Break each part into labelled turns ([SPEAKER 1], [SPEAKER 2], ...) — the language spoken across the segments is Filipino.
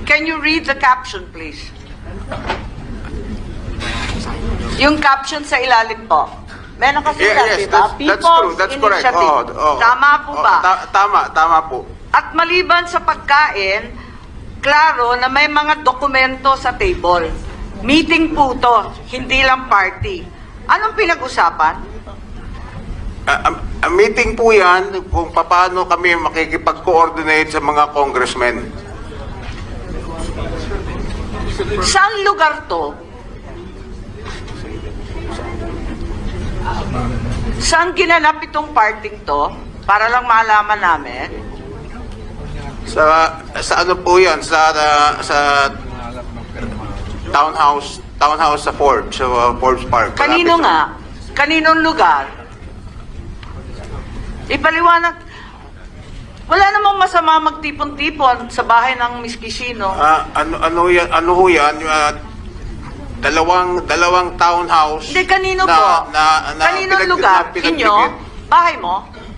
[SPEAKER 1] Can you read the caption, please? Yung caption sa ilalim po. May nakasulat,
[SPEAKER 2] Yes,
[SPEAKER 1] di ba?
[SPEAKER 2] that's true. That's correct.
[SPEAKER 1] Initiative. Tama po ba?
[SPEAKER 2] Tama po.
[SPEAKER 1] At maliban sa pagkain, klaro na may mga dokumento sa table. Meeting po to, hindi lang party. Anong pinag-usapan?
[SPEAKER 2] A meeting po yan kung paano kami makikipag-coordinate sa mga congressmen.
[SPEAKER 1] Saan lugar to? Saan ginanap itong parting to? Para lang malaman namin.
[SPEAKER 2] Sa ano po yan? Sa townhouse sa Forbes, sa Forbes Park.
[SPEAKER 1] Kanino
[SPEAKER 2] Malapit sa-
[SPEAKER 1] nga? Kaninong lugar? Ipaliwanag. Wala namang masama magtipon-tipon sa bahay ng Miss Quisino.
[SPEAKER 2] Ano ho yan? Dalawang townhouse.
[SPEAKER 1] Hindi, kanino
[SPEAKER 2] na,
[SPEAKER 1] po?
[SPEAKER 2] Na
[SPEAKER 1] Kaninong
[SPEAKER 2] pinag-
[SPEAKER 1] lugar?
[SPEAKER 2] na pinagpipit.
[SPEAKER 1] Inyo? Bahay mo?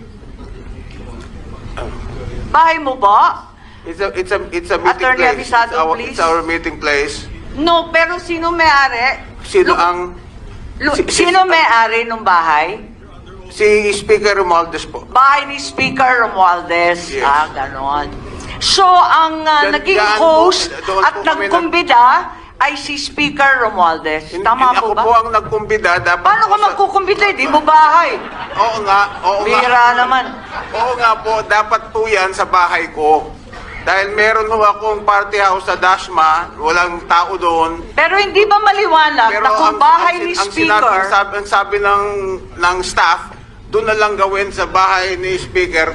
[SPEAKER 1] Bahay mo ba?
[SPEAKER 2] It's a meeting
[SPEAKER 1] Attorney
[SPEAKER 2] place.
[SPEAKER 1] Avisado, please.
[SPEAKER 2] It's our meeting place.
[SPEAKER 1] No, pero sino may-ari?
[SPEAKER 2] Sino ang
[SPEAKER 1] Sino may-ari ng bahay?
[SPEAKER 2] si Speaker Romualdez po?
[SPEAKER 1] Bahay ni Speaker Romualdez.
[SPEAKER 2] Yes.
[SPEAKER 1] Ganon. So, ang naging
[SPEAKER 2] Diyan po,
[SPEAKER 1] host
[SPEAKER 2] doon
[SPEAKER 1] at
[SPEAKER 2] po kami
[SPEAKER 1] nagkumbida ay si Speaker Romualdez. Tama po
[SPEAKER 2] Ako
[SPEAKER 1] ba?
[SPEAKER 2] po ang nagkumbida. Dapat
[SPEAKER 1] Paano ka
[SPEAKER 2] po sa-
[SPEAKER 1] magkukumbida? Di mo bahay.
[SPEAKER 2] Oo nga.
[SPEAKER 1] Bihira naman.
[SPEAKER 2] Oo nga po. Dapat po yan sa bahay ko. Dahil meron ho akong party house sa Dasma. Walang tao doon.
[SPEAKER 1] Pero hindi ba maliwanag na kung bahay ni Speaker,
[SPEAKER 2] ang sabi ng staff, doon na lang gawin sa bahay ni Speaker.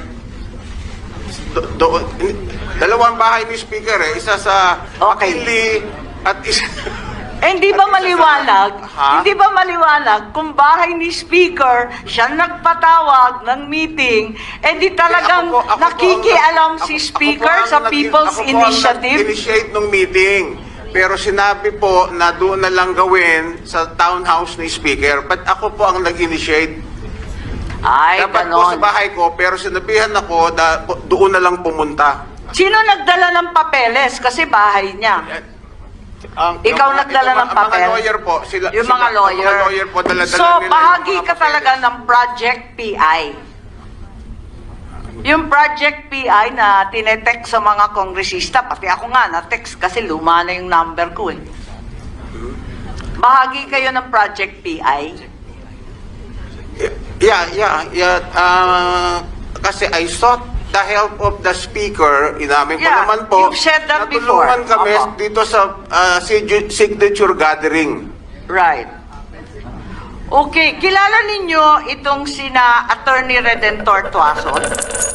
[SPEAKER 2] Dalawang bahay ni Speaker eh. Isa sa
[SPEAKER 1] Okay.
[SPEAKER 2] McKinley at isa...
[SPEAKER 1] hindi ba maliwanag?
[SPEAKER 2] Ha?
[SPEAKER 1] Hindi ba maliwanag kung bahay ni Speaker siya nagpatawag ng meeting, di talagang
[SPEAKER 2] Ako po
[SPEAKER 1] nakikialam
[SPEAKER 2] ang-
[SPEAKER 1] si
[SPEAKER 2] ako
[SPEAKER 1] Speaker
[SPEAKER 2] po ang
[SPEAKER 1] sa
[SPEAKER 2] nag-
[SPEAKER 1] People's
[SPEAKER 2] ako po ang
[SPEAKER 1] Initiative?
[SPEAKER 2] nag-initiate ng meeting. Pero sinabi po na doon na lang gawin sa townhouse ni Speaker. But ako po ang nag-initiate.
[SPEAKER 1] Ay,
[SPEAKER 2] Dapat po sa
[SPEAKER 1] ganon.
[SPEAKER 2] bahay ko, pero sinabihan ako doon na lang pumunta.
[SPEAKER 1] Sino nagdala ng papeles? Kasi bahay niya. Ikaw nagdala ng papel?
[SPEAKER 2] Mga lawyer po.
[SPEAKER 1] Yung mga lawyer.
[SPEAKER 2] Mga lawyer po, dala-dala
[SPEAKER 1] So,
[SPEAKER 2] nila yung
[SPEAKER 1] bahagi
[SPEAKER 2] mga
[SPEAKER 1] ka
[SPEAKER 2] papeles.
[SPEAKER 1] talaga ng Project PI. Yung Project PI na tinetext sa mga kongresista, pati ako nga na-text kasi luma na yung number ko eh. Bahagi kayo ng Project PI.
[SPEAKER 2] Yeah. Kasi I sought the help of the speaker. Inamin ko
[SPEAKER 1] Yeah,
[SPEAKER 2] naman po.
[SPEAKER 1] you've said that before.
[SPEAKER 2] Natulungan kami
[SPEAKER 1] Opo.
[SPEAKER 2] dito sa signature gathering.
[SPEAKER 1] Right. Okay, kilala ninyo itong sina Attorney Redentor Tuason?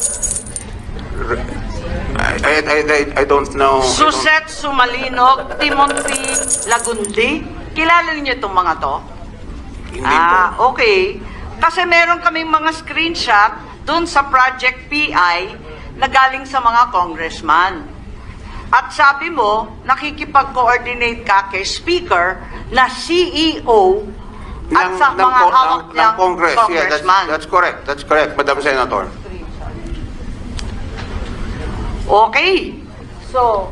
[SPEAKER 2] I don't know.
[SPEAKER 1] Suset Sumalinog, Timothy Lagundi. Kilala niyo itong mga to?
[SPEAKER 2] Hindi po.
[SPEAKER 1] Okay. Kasi meron kaming mga screenshot dun sa Project PI na galing sa mga congressman. At sabi mo, nakikipag-coordinate ka kay Speaker na CEO at sa mga hawak
[SPEAKER 2] ng
[SPEAKER 1] niyang
[SPEAKER 2] Congress. Yeah,
[SPEAKER 1] congressman.
[SPEAKER 2] that's correct. That's correct, Madam Senator.
[SPEAKER 1] Okay. So,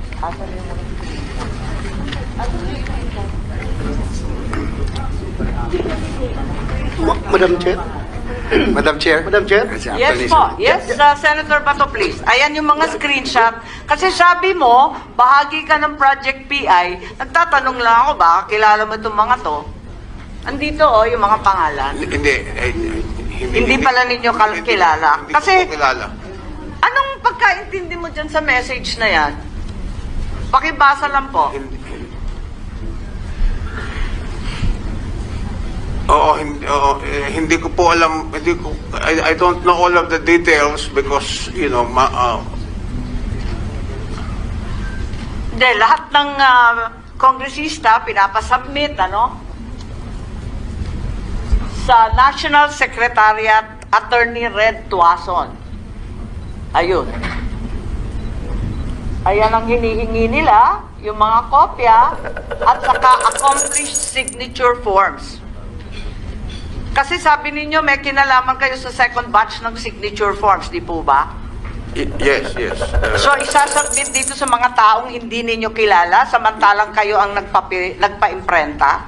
[SPEAKER 3] Madam Chair?
[SPEAKER 2] Madam Chair.
[SPEAKER 3] Madam Chair?
[SPEAKER 1] yes po. Yes, Senator Bato, please. Ayan yung mga screenshot. Kasi sabi mo, bahagi ka ng Project PI. Nagtatanong lang ako, baka kilala mo itong mga to. Andito yung mga pangalan. Hindi pala ninyo kilala.
[SPEAKER 2] Hindi
[SPEAKER 1] Kasi,
[SPEAKER 2] ko kilala.
[SPEAKER 1] anong pagkaintindi mo dyan sa message na yan? Pakibasa lang po.
[SPEAKER 2] Hindi ko po alam, I don't know all of the details because,
[SPEAKER 1] Hindi, lahat ng kongresista pinapasubmit, sa National Secretariat Attorney Red Tuason. Ayun. Ayan ang hinihingi nila, yung mga kopya, at saka accomplished signature forms. Kasi sabi ninyo, may kinalaman kayo sa second batch ng signature forms, di po ba?
[SPEAKER 2] Yes, yes.
[SPEAKER 1] So isasubmit dito sa mga taong hindi ninyo kilala samantalang kayo ang nagpa-imprenta?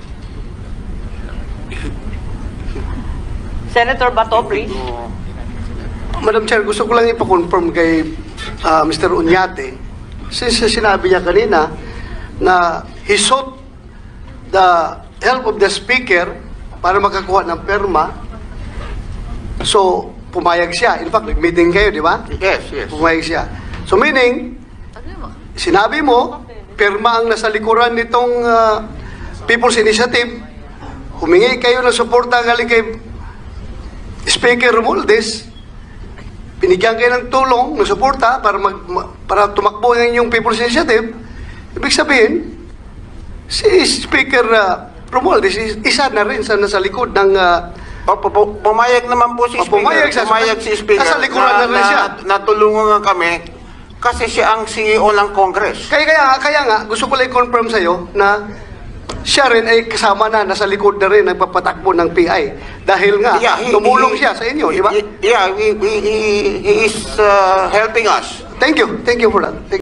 [SPEAKER 1] Senator Bato, please.
[SPEAKER 3] Madam Chair, gusto ko lang ipa-confirm kay Mr. Uñate, since sinabi niya kanina na he sought the help of the speaker para makakuha ng perma. So, pumayag siya. In fact, nag-meeting kayo, di ba?
[SPEAKER 2] Yes, yes.
[SPEAKER 3] Pumayag siya. So, meaning, sinabi mo, perma ang nasa likuran nitong People's Initiative, humingi kayo ng suporta galing kay Speaker Romualdez, binigyan kayo ng tulong, ng suporta para tumakbo ng inyong People's Initiative. Ibig sabihin, si Speaker Romualdez isa na rin sa nasa likod ng
[SPEAKER 2] Pumayag naman po si Speaker.
[SPEAKER 3] pumayag
[SPEAKER 2] si Speaker.
[SPEAKER 3] nasa likuran na rin siya.
[SPEAKER 2] Natulungan kami kasi siya ang CEO ng Congress.
[SPEAKER 3] Kaya nga, gusto ko lang i-confirm sa'yo na siya rin ay kasama na, nasa likod na rin, nagpapatakbo ng PI. Dahil nga, tumulong siya sa inyo, di ba?
[SPEAKER 2] Yeah, he is helping us.
[SPEAKER 3] Thank you for that. Thank you.